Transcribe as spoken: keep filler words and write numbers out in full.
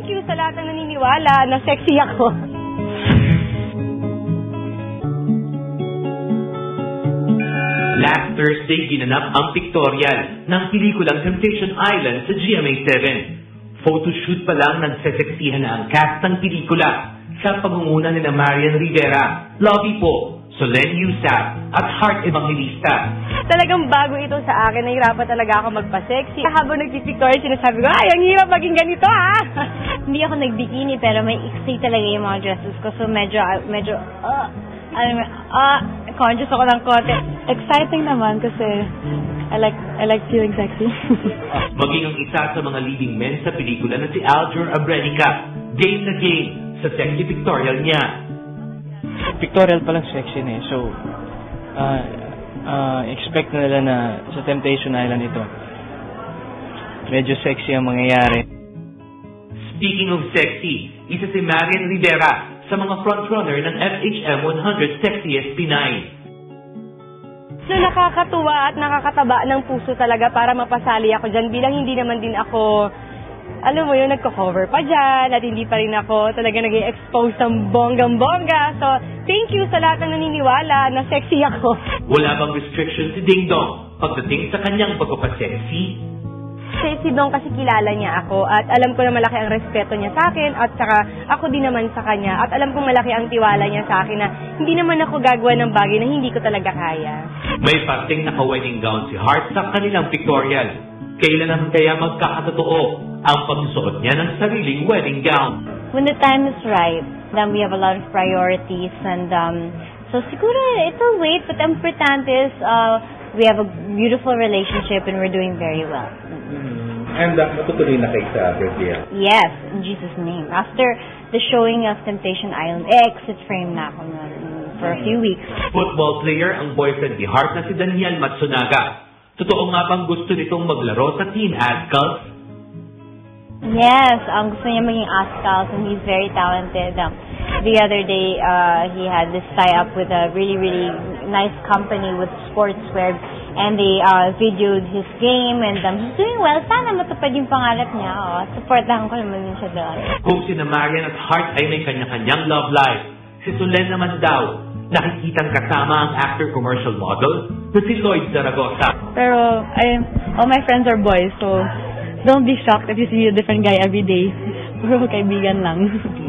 thank you sa lahat na naniniwala na sexy ako. Last Thursday, ginanap ang pictorial ng pelikulang Temptation Island sa G M A seven. Photoshoot pa lang nagseseksihan na ang cast ng pelikula sa pangunguna ni na Marian Rivera, Lovie Po, Solen Yusaf at Heart Evangelista. Talagang bago ito sa akin, nahirapan talaga ako magpa-sexy. Habang nagpipictorial, sinasabi ko, ay, ang hirap maging ganito, ha? Hindi ako nag-bikini, pero may iksi talaga yung mga dresses ko. So, medyo, medyo, uh, alam mo, uh, conscious ako ng konti. Exciting naman kasi I like, I like feeling sexy. Maging ang isa sa mga leading men sa pelikula na si Aljur Abrenica, game na game sa sexy pictorial niya. Pictorial palang sexy na eh. So, uh, uh, expect na nila na sa Temptation Island ito, medyo sexy ang mangyayari. Speaking of sexy, isa si Marian Rivera sa mga frontrunner ng F H M one hundred Sexiest Pinay. So, nakakatuwa at nakakataba ng puso talaga para mapasali ako dyan bilang hindi naman din ako, alam mo yun, nagko-cover pa dyan at hindi pa rin ako talaga nag-i-expose ng bonggang-bongga. So, thank you sa lahat na naniniwala na sexy ako. Wala bang restriction si Ding Dong pagdating sa kanyang pagpapasexy? Si, si Dong kasi kilala niya ako at alam ko na malaki ang respeto niya sa akin at saka ako din naman sa kanya at alam kong malaki ang tiwala niya sa akin na hindi naman ako gagawa ng bagay na hindi ko talaga kaya. May parting naka-wedding gown si Heart sa kanilang pictorial. Kailan naman kaya magkakatotoo ang pagsusuot niya ng sariling wedding gown? When the time is right, then we have a lot of priorities and um, so siguro it'll wait, but ang importante is uh, we have a beautiful relationship and we're doing very well. And uh, matutuloy na kayo sa birthday? Yes, in Jesus' name. After the showing of Temptation Island, exit frame na ako nun for a few weeks. Football player ang boyfriend ni Heart na si Daniel Matsunaga. Totoo nga bang gusto nitong maglaro sa Team Azcals? Yes, ang gusto niya maging Azcals and he's very talented. Um, the other day, uh, he had this tie-up with a really, really nice company with sportswear. And they uh, videoed his game and um, he's doing well. Sana matupad yung pangarap niya. Oh. Supportahan ko naman din siya doon. Kung sina Marian at Heart ay may kanya-kanyang love life, si Solen naman daw, nakikitang kasama ang actor commercial model na si Lloyd Zaragoza. Pero I, all my friends are boys, so don't be shocked if you see a different guy every day. Puro kaibigan lang.